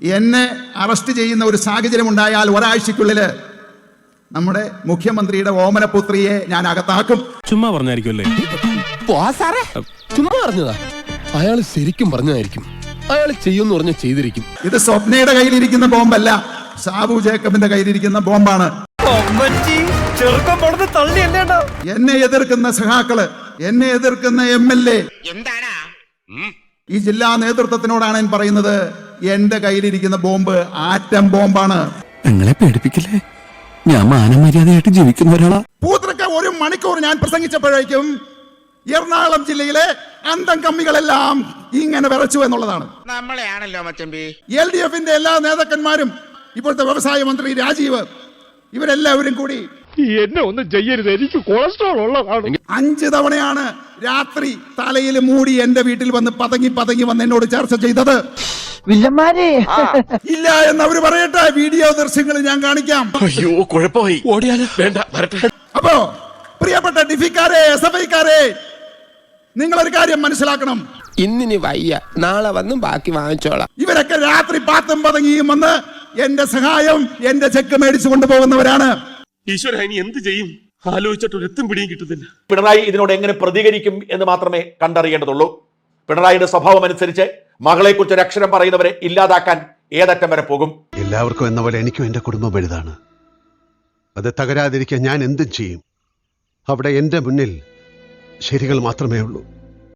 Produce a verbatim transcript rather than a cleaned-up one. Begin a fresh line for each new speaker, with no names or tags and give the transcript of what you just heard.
എന്നെ അറസ്റ്റ് ചെയ്യുന്ന ഒരു സാഹചര്യം ഉണ്ടായാൽ ഒരാഴ്ചക്കുള്ളില് നമ്മുടെ മുഖ്യമന്ത്രിയുടെ ഓമനപുത്രിയെ ഞാൻ അകത്താക്കും.
ചുമ്മാ പറഞ്ഞായിരിക്കുമല്ലേ?
ചുമ്മാ പറഞ്ഞതാ. അയാൾ ശരിക്കും പറഞ്ഞതായിരിക്കും. അയാൾ ചെയ്യുമെന്ന് പറഞ്ഞ ചെയ്തിരിക്കും.
ഇത് സ്വപ്നയുടെ കയ്യിലിരിക്കുന്ന ബോംബല്ല, സാബു ജേക്കബിന്റെ കയ്യിലിരിക്കുന്ന ബോംബാണ്. എന്നെ എതിർക്കുന്ന സഹാക്കള്, എന്നെ എതിർക്കുന്ന എം എൽ എ, ഈ ജില്ലാ നേതൃത്വത്തിനോടാണ് ഞാൻ പറയുന്നത്, എന്റെ കയ്യിലിരിക്കുന്ന ബോംബ് ആറ്റം ബോംബാണ്.
നിങ്ങളെ പേടിപ്പിക്കില്ലേ? ഞാൻ മാനമര്യാദയായിട്ട് ജീവിക്കുന്ന ഒരാളാ.
പൂത്രക്ക ഒരു മണിക്കൂർ ഞാൻ പ്രസംഗിച്ചപ്പോഴേക്കും എറണാകുളം ജില്ലയിലെ അന്തം കമ്മികളെല്ലാം ഇങ്ങനെ വിറച്ചു എന്നുള്ളതാണ്.
നമ്മളെയാണല്ലോ മച്ചമ്പി.
എൽ ഡി എഫിന്റെ എല്ലാ നേതാക്കന്മാരും, ഇപ്പോഴത്തെ വ്യവസായ മന്ത്രി രാജീവ്, ഇവരെല്ലാവരും കൂടി
എന്നെ ഒന്നും ചെയ്യരുത്, എനിക്ക് കൊളസ്ട്രോൾ ഉള്ളതാണ്.
അഞ്ച് തവണയാണ് രാത്രി തലയിൽ മൂടി എന്റെ വീട്ടിൽ വന്ന് പതങ്ങി പതങ്ങി വന്ന് എന്നോട് ചർച്ച ചെയ്തത്. ഇല്ല എന്നവര് പറയട്ടെ, വീഡിയോ ദൃശ്യങ്ങൾ ഞാൻ കാണിക്കാം.
അയ്യോ കുഴപ്പമായി, ഓടിയാലോ? വേണ്ട, വരട്ടെ.
അപ്പോ പ്രിയപ്പെട്ട ഡിഫിക്കാരെ, എസ് എഫ് ഐക്കാരെ, നിങ്ങളൊരു കാര്യം മനസ്സിലാക്കണം.
ഇന്നിനി വയ്യ, നാളെ വന്നും ബാക്കി വാങ്ങിച്ചോളാം.
ഇവരൊക്കെ രാത്രി പാത്തും പതങ്ങിയും വന്ന് എന്റെ സഹായം, എന്റെ ചെക്ക് മേടിച്ചു കൊണ്ടുപോകുന്നവരാണ്.
ഈശ്വര, ഇനി എന്ത് ചെയ്യും? ആലോചിച്ചിട്ട് ഒരു എത്തും പിടിയും കിട്ടുന്നില്ല.
പിണറായി ഇതിനോട് എങ്ങനെ പ്രതികരിക്കും എന്ന് മാത്രമേ കണ്ടറിയേണ്ടതുള്ളൂ. പിണറായിയുടെ സ്വഭാവം അനുസരിച്ച് മകളെക്കുറിച്ച് ഒരു അക്ഷരം പറയുന്നവരെ ഇല്ലാതാക്കാൻ ഏതറ്റം വരെ പോകും.
എല്ലാവർക്കും എന്ന പോലെ എനിക്കും എന്റെ കുടുംബം വലുതാണ്. അത് തകരാതിരിക്കാൻ ഞാൻ എന്തും ചെയ്യും. അവിടെ എന്റെ മുന്നിൽ ശരികൾ മാത്രമേ ഉള്ളൂ.